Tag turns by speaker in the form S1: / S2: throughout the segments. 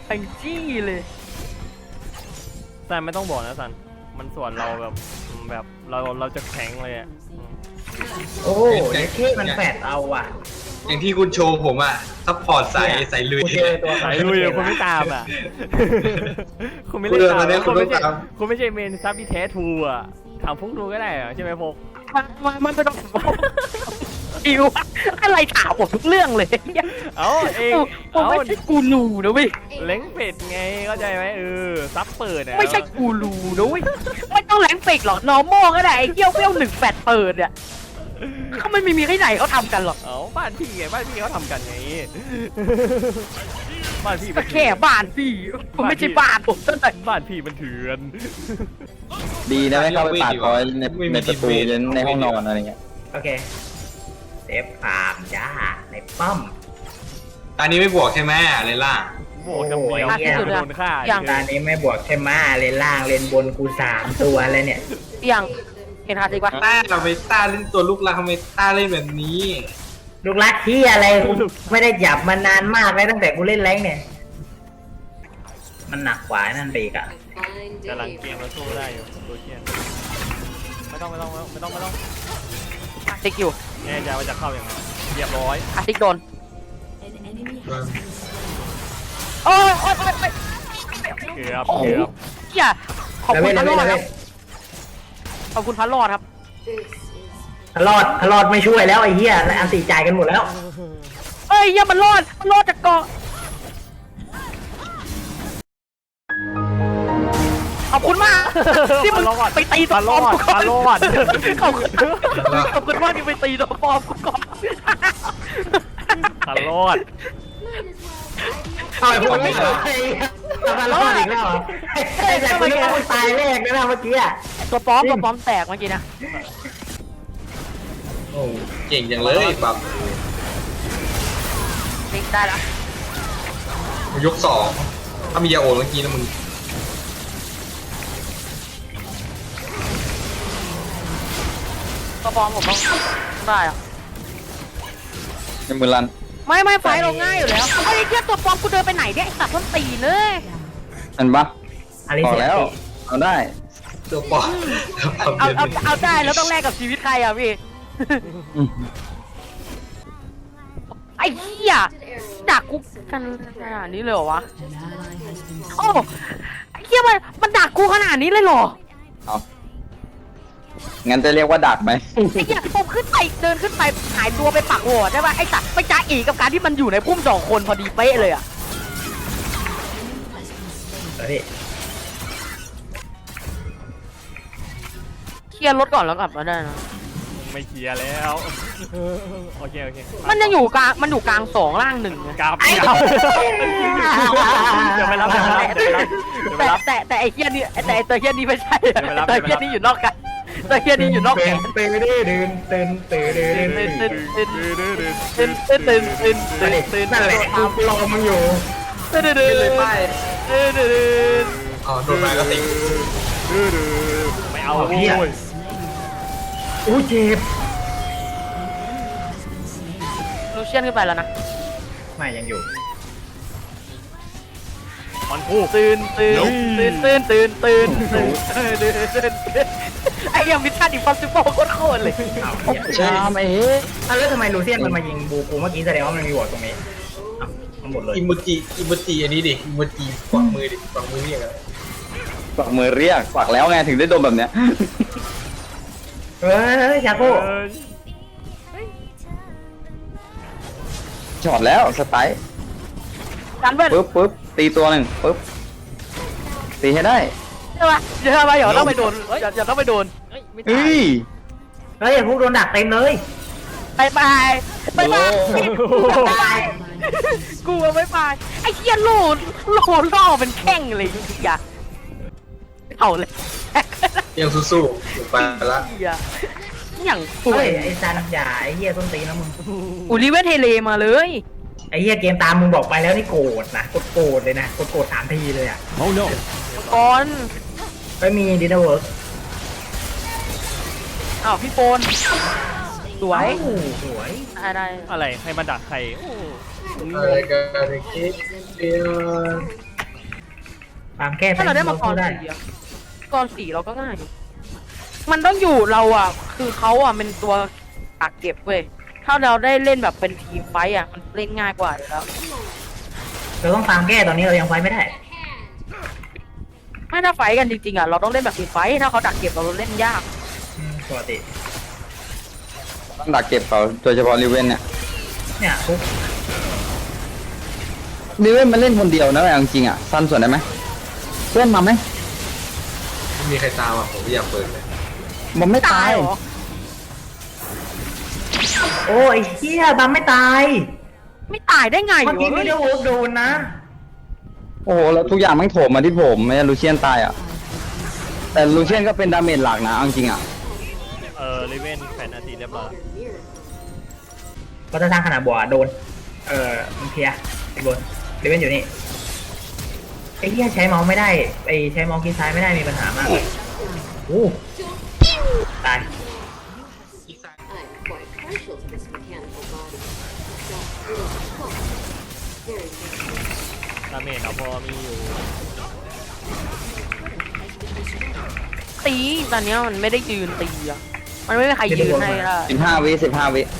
S1: ทั้งจี้เลย
S2: ซันไม่ต้องบอกนะซันมันส่วนเราแบบเราจะแข็งเลยอ่ะ
S3: โอ้เด็กที่มันแฝดเอาอ่ะ
S4: อย่างที่คุณโชว์ผมอ่ะซัพพอร์ตใส่ลุย
S3: กูเจอตัว
S2: สายลุยคุณไม่ตามอ่ะคุณไม่เล่นตามคุณไม่ใช่เมนซับที่แท้ทูอ่ะถามพวกดูก็ได้ใช่ไหมพวก
S1: มันไม่ต้องอิวอะไรถามผมทุกเรื่องเลย
S2: เอง
S1: ผมไม่ใช่กูรูนะเว้ย
S2: เล้งเป็ดไงเข้าใจไหมซับเปิดอ่ะ
S1: ไม่ใช่กูรูนะเว้ยไม่ต้องแหลงเป็กหรอกนอร์มอลก็ได้ไอ้เกี้ยวเปี้ยว1แฟดเปิดเนี่ยเขาไม่มีที่ไหนเขาทำกันหรอก
S2: บ้านพี่ไงบ้านพี่เขาทำกันไงบ้านพี่
S1: ก็แค่บ้านพี่ผมไม่ใช่บ้านผมตั้งแต่
S2: บ้านพี่มันเถื่อน
S5: ดีนะไม่เข้าไปปาดคอยในประตูในห้องนอนอะไรเงี้ย
S3: โอเคเซฟฟาร์มจ้าในป้อม
S4: ตอนนี้ไม่บวกใช่ไหมเลล่า
S2: บวกกับเดียวโดนฆ่า
S3: ตอนนี้ไม่บวกใช่ไหมเลนล่างเลนบนกู3ตัวเลยเนี่ย
S1: ยังเห็นฮาร์ดดีกว่า
S4: ต้าไปต้าเล่นตัวลูกรักทำไมต้าเล่นแบบนี้
S3: ลูกรักที่อะไรไม่ได้หยับมานานมากเลยตั้งแต่กูเล่นแรงเนี่ยมันหนักกว่านั่นไปอีกอ่ะ
S2: กำลังเกมมาสู้ได้อยู่ตัวเชียนไม่ต้อง
S1: อาร์ติกอยู่
S2: แน่ใจว่าจะเข้าอย่างไรเรียบร้อย
S1: อาร์ติกโดนโอ้ย
S2: เกือบ
S1: เฮียขอบคุณพันรอดครับขอบคุณพันรอดครับ
S3: พลอดไม่ช่วยแล้วไอ้เหี้ยอันตีจ่ายกันหมดแล้ว
S1: เอ้ยอย่ามันรอดจากเกาะขอบคุณมากที่มึงไปตีตัวปลอมกูก่อนขอบคุณมากที่ไปตีตัวปลอมกูก่อน
S2: รอด
S3: เอาไอ้พวกนี้เลยรอดอีกแล้วไอ้แต่คนนี้มันตายแรกนะเมื่อกี้อะ
S1: ตัวปลอมแตกเมื่อกี้นะ
S4: โอ้เก่งอย่างเลยแบบ
S1: ติ๊กได้ละ
S4: ยก2ถ้ามียาโอเมื่อกี้นะมึง
S1: ตัวปลอมผมต้องได้อะ
S5: ในมือลัน
S1: ไม่ไฟเราง่ายอยู่แล้วไอ้เทียตัวปลอมกูเดินไปไหนเนี่ยไอ้สัตว์ต้นตีเลย
S5: อันปะพอแล้วเอาได้
S4: ตัวปอม
S1: เอาได้แล้วต้องแลกกับชีวิตใครอ่ะพี่ไอ้เหี้ยดักกูกันขนาดนี้เลยเหรอวะโอ้ไอ้เหี้ยมันดักกูขนาดนี้เลยเหรอ
S5: เอางั้นจะเรียกว่าดักไหม
S1: ไอ้เหี้ยผมขึ้นไปเดินขึ้นไปหายตัวไปปักหัวใช่ป่ะไอ้สัตว์ไปจ้าอีกับการที่มันอยู่ในพุ่ม2 คนพอดีเป๊ะเลยอ่ะเคลียร์รถก่อนแล้วกลับมาได้นะ
S2: ไม่เคลียร์แล้วโอเค
S1: มันยังอยู่กลาง2ล่าง1
S2: กลับจะไม่รับ
S1: แต่ไอ้เหี้ยนี่แต่ตัวเหี้ยนี่ไม่ใช่ตัวเหี้ยนี่อยู่นอกกันตัวเหี้ยนี่อยู่นอกแขน
S3: ตื่นนั่นแหละกูรอมึงอยู่
S4: เลยไปโดนไปก็ติด
S2: ไม่เอาโว้ย
S3: อู้เจ็บ
S1: ลูเชียนขึ้นไปแล้วนะ
S3: ไม่ยังอยู่
S2: มันพูด
S1: ตื่นไอ้ยังมิชชั่นอิมพอสซิเบิลโคตรเลย
S5: ช้าไหม
S3: แล้วทำไมลูเซียนมันมายิงบูกูเมื่อกี้แสดงว่ามันมีวอร์ดตรงนี้มันหมดเลย
S4: อิโมจิอันนี้ดิอิโมจิกวักมือเรียกอะไร
S5: กวักมือเรียกกวักแล้วไงถึงได้โดนแบบเนี้ย
S3: ชาโก้
S5: จอดแล้วสไตล์ปึ๊บตีตัวหนึ่งปึ๊บตีให้ได้
S1: ใช่ไหมอย่าต้องไปโดนอย่าต้องไปโดน
S5: เฮ้ย
S3: พวกโดนดักเต็มเลย
S1: ไปกูไม่ไปไอ้เหี้ยโหลล่อเป็นแข้งเลยอย่าเอาเลย
S4: ยังสู้ไปละ
S1: อย่าง
S3: ไอ้ซันอย่าไอ้เหี้ยต้นตีนะมึง
S1: ลิเวอร์เทเลมาเลย
S3: ไอ้เหี้ยเกมตามมึงบอกไปแล้วนี่โกรธนะโกรธเลยนะโกรธ3 ทีเลยอ่ะ
S2: โอ้โน
S1: ก่อน
S3: ไม่มีดินาเวิร์ก
S1: พี่โฟนสวย
S2: อะไรให้มาดักใคร
S4: อะไรกันคิดเดียว
S3: ตามแก้
S1: ถ้าเราได้มังกร
S3: ได้
S1: สีอะมังกรสีเราก็ง่ายอยู่มันต้องอยู่เราอ่ะคือเขาอ่ะเป็นตัวกักเก็บเว้ยถ้าเราได้เล่นแบบเป็นทีมไฟต์อ่ะมันเล่นง่ายกว่าอยู่แล้ว
S3: เราต้องตามแก้ตอนนี้เรายังไฟไม่ได้
S1: ไม่ถ้าไฟต์กันจริงๆอ่ะเราต้องเล่นแบบทีมไฟต์ถ้าเขาดักเก็บเราเล่นยาก
S3: ปกติ
S5: ต้องดักเก็บเขาโดยเฉพาะลิเวนเนี่ย
S3: เนี่ยปุ๊บ
S5: ลิเวนมันเล่นคนเดียวนะเอาจริงๆอ่ะสั้นส่วนได้ไหมเพื่อนมาไหม
S4: ไม่มีใครตามอ่ะผมไม่อยากเปิดเลย
S5: มันไม่ตาย
S1: เหรอ
S3: โอ้ยเฮียบัมไม่ตาย
S1: ไม่ตายได้ไง
S3: เมื่อกี้
S1: วะ
S3: วิดีโอโดนนะ
S5: โอ้โหแล้วทุกอย่างมันโถมมาที่ผมไม่ใช่ลูเชียนตายอ่ะแต่ลูเชียนก็เป็นดาเมจหลักนะเอาจริงๆอ่ะ
S2: ลิเวนแฟนอาทิตย์เรียบร้อย
S3: ก็จะทางขนาดบัวโดนมันเคลียร์ไอ้บนเดวินอยู่นี่ไอ้เฮียใช้เมาส์ไม่ได้ไอ้ใช้เมาส์คลิกซ้ายไม่ได้มีปัญหามากเลยอู้ตาย
S6: I'm quite partial to this mechanical body. That little clock. Very good.
S2: ดาเมจเราพอมีอยู่
S1: ตีตอนเนี้ยมันไม่ได้ยืนตีอ่ะมันไม่มีใครยืนให้ละ
S5: 15 วิ15 วิ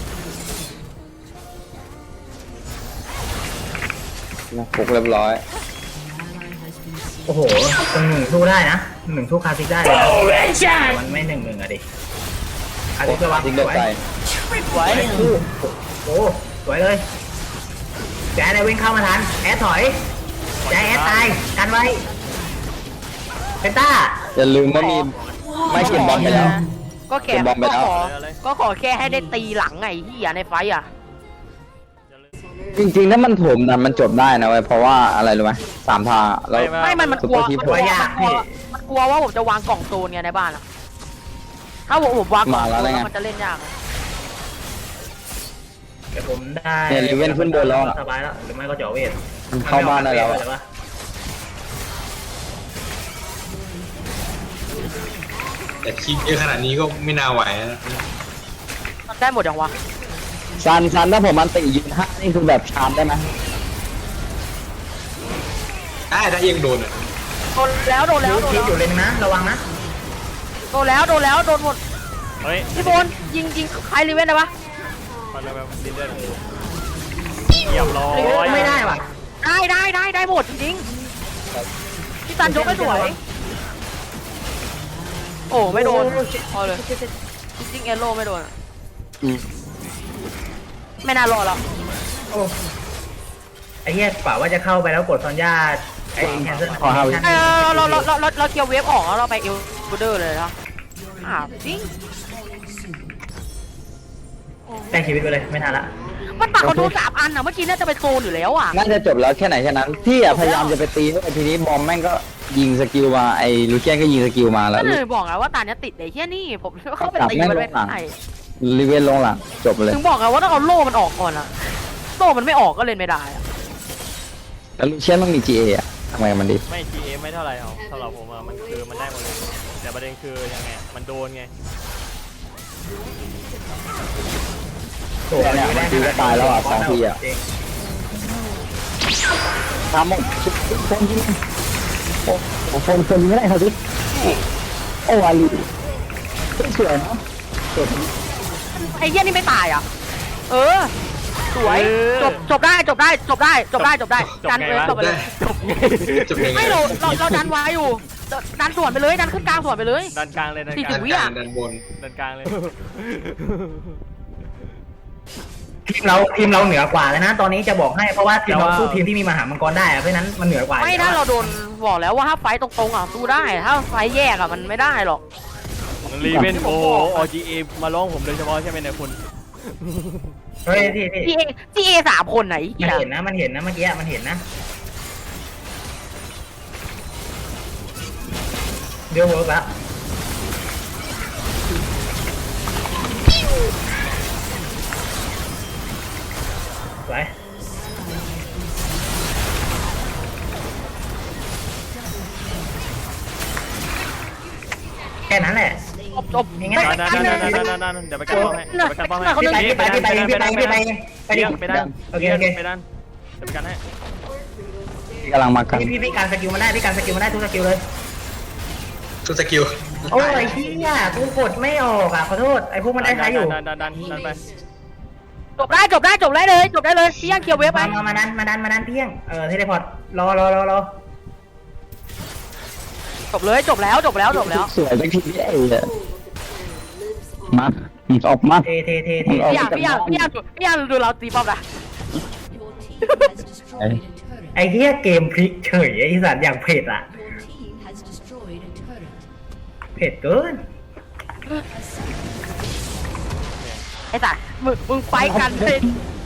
S5: ฟุกเรียบร้อย
S3: โอ้โหหนึ่งสู้ได้นะหนึ่งสู้คาซิกได้เลยนะแต่มันไม่1-1อะดิคาซิกระวัง
S5: ทิ้ง
S3: ส
S5: เดือด
S3: วย
S5: ใจ
S1: ไว้
S3: โอ้สวยเลยแจ๊ดวิ่งเข้ามาทันแอดถอยแจ๊ดแอดตายกันไว้เพนต้า
S5: อย่าลืมว่ามีไม่เก็บบอลไปแล้ว
S1: ก็แค่
S5: เก็บบอลไปแล้ว
S1: ก็ขอแค่ให้ได้ตีหลังไงที่อย่าในไฟต์อ่ะ
S5: จริงๆถ้ามันโถมนะมันจบได้นะเว้ยเพราะว่าอะไรรู้ไหม3 ทางแล้ว
S1: ไม่มันกลัว
S5: ซุปเปอร์ทีม
S1: มันกลัวมันกลัวว่าผมจะวางกล่องโซนไงในบ้านอ่ะถ้าผมวางกล่องโซนแล้วมันจะเล่นยาก
S3: เดี๋ยวผมได้
S5: เนี่ยลิเวนขึ้นบนแล้วอะ
S3: สบายแล้วหรือไม่ก็เจาะเวท
S5: มันเข้าบ้านได้แล้วอะ
S4: แต่คิดเยอะขนาดนี้ก็ไม่น่าไหวนะ
S1: มันได้หมดอย่างวะ
S5: ซันถ้าผมมันติยืน5นี่คือแบบชาร์จได้ไหม
S4: ได้ยังโดนอ่ะ
S1: โดนแล้วโดนแล้วโดน
S3: คิด
S1: แล้ว
S3: อยู่เลยนะระวังนะ
S1: โดนแล้วโดนแล้วโดนหมด
S2: เฮ้ย
S1: พี่โบนยิงใครรีเวนได้ปะ
S2: มันแบบดินเดอร์เรียบร้อย
S3: ไม่ได้ว่ะ
S1: ได้หมดจริงๆพี่ซันยกไม่สวย โอ้ไม่โดนพอเลยจริงเอโร่ไม่โดนอะ
S5: อืม
S1: ไม่น่ารอดหรอก
S3: โอ้ไอ้เหี้ยป่าว่าจะเข้าไปแล้วกดซอนย่าไอ้แคนเซิล
S5: ขอ5 วิ
S1: เราเคลียร์เวฟออกแล้วเราไปเอลบูเดอร์เลยนะจริง
S3: แต่งชีวิตไปเลยไม่ทันละ
S1: มันปักคอนโทร3 อันอ่ะเมื่อกี้น่าจะไปโซนอยู่แล้วอ่ะ
S5: น่าจะจบแล้วแค่ไหนแค่นั้นพี่อะพยายามจะไปตีให้ทีนี้บอมแม่งก็ยิงสกิลมาไอ้ลูเชียนก็ยิงสกิลมาแล้ว
S1: ก็เลยบอกไงว่าตาเนี้ยติดไอ้เหี้ยนี่ผมเข้าไปตีมันไม่ได้
S5: ลิเวนลงหลังจบเลย
S1: ถึงบอกไงว่าต้องเอาโล่มันออกก่อนอ่ะโล่มันไม่ออกก็เล่นไม่ได้อะ
S5: แล้วลูเชียนต้องมี GA อะทำไมมันดี
S2: ไม่ GA ไม่เท่าไหร่เอาสำหรับผมอะมันคือมันได้หมดเลยแต่ประเด็นคือยังไงมันโดนไง
S3: โอ้โห
S5: เนี่ยมันตีก็ตายแล้วอ่ะ2 ทีอ่ะทำหมดโฟนยิงโอ้โฟนยิงไม่ได้ครับพี่โอ้อาลีสวยนะสวย
S1: ไอ้เหี้ยนี่ไม่ตายอ่ะเออสวยจบได้กันเลยจบไปเลย
S4: จบยังไง
S1: ไม่เราดันไว้อยู่ดันสวนไปเลยดันขึ้นกลางสวนไปเลย
S2: ดันกลางเลยดันก
S1: 40
S2: ลาง
S1: วิ
S4: ดันบน
S2: ดันกลางเลย
S3: ทีมเราเหนือกว่าแล้วนะตอนนี้จะบอกให้เพราะว่าทีมเราสู้ทีมที่มีมหามังกรได้อะเพราะฉะนั้นมันเหนือกว่า
S1: ไม่ถ้าเราโดนบอกแล้วว่าถ้าไฟตรงๆอ่ะสู้ได้ถ้าไฟแยกอ่ะมันไม่ได้หรอก
S2: รีเวนโอ GA มาร้องผมโดยเฉพาะใช่ไหมเนี่ยคุณ
S3: เฮ้ยพี่
S1: GA 3 คนไหน
S3: มันเห็นนะเมื่อกี้มันเห็นนะเดี๋ยวเวิร์กแล้วสวยแค่นั้นแหละ
S1: จบ
S3: ง่ายๆ
S2: นั่นเดี๋ยวไปกันป้อมให้เดี๋ยวไปกันป้อมให้
S3: พี่ไปดิ
S2: ไปดัน
S3: โอเค
S2: ไปดันเดี๋ยวไปกันให้
S5: กำลังมากัน
S3: พี่การสกิลมันได้พี่การสกิลมันได้ทุกสกิลเลย
S4: ทุกสกิล
S3: โอ้ยพี่อ่ะกูกดไม่ออกอ่ะขอโทษไอ้พวกมันได้ท้ายอยู่
S2: ดันไป
S1: จบได้เลยพี่ย่างเคียวเวฟไป
S3: มาดันเที่ยงเทเลพอร์ตรอ
S1: จบแล้ว
S5: สวยสักทีไอ้เนี่ย
S6: All of the clan lives on.
S5: มาออกมา
S3: เท
S1: พี่ย่างดูเราตีป้อมนะ
S6: Your team has destroyed a turret.
S3: ไอ้เหี้ยเกมพลิกเฉยไอ้สัตว์อย่างเผ็ดอ่ะ
S6: Your team has destroyed a turret.
S3: เผ็ดเกิน
S1: ไอ้สัสมึงไฟกันเลย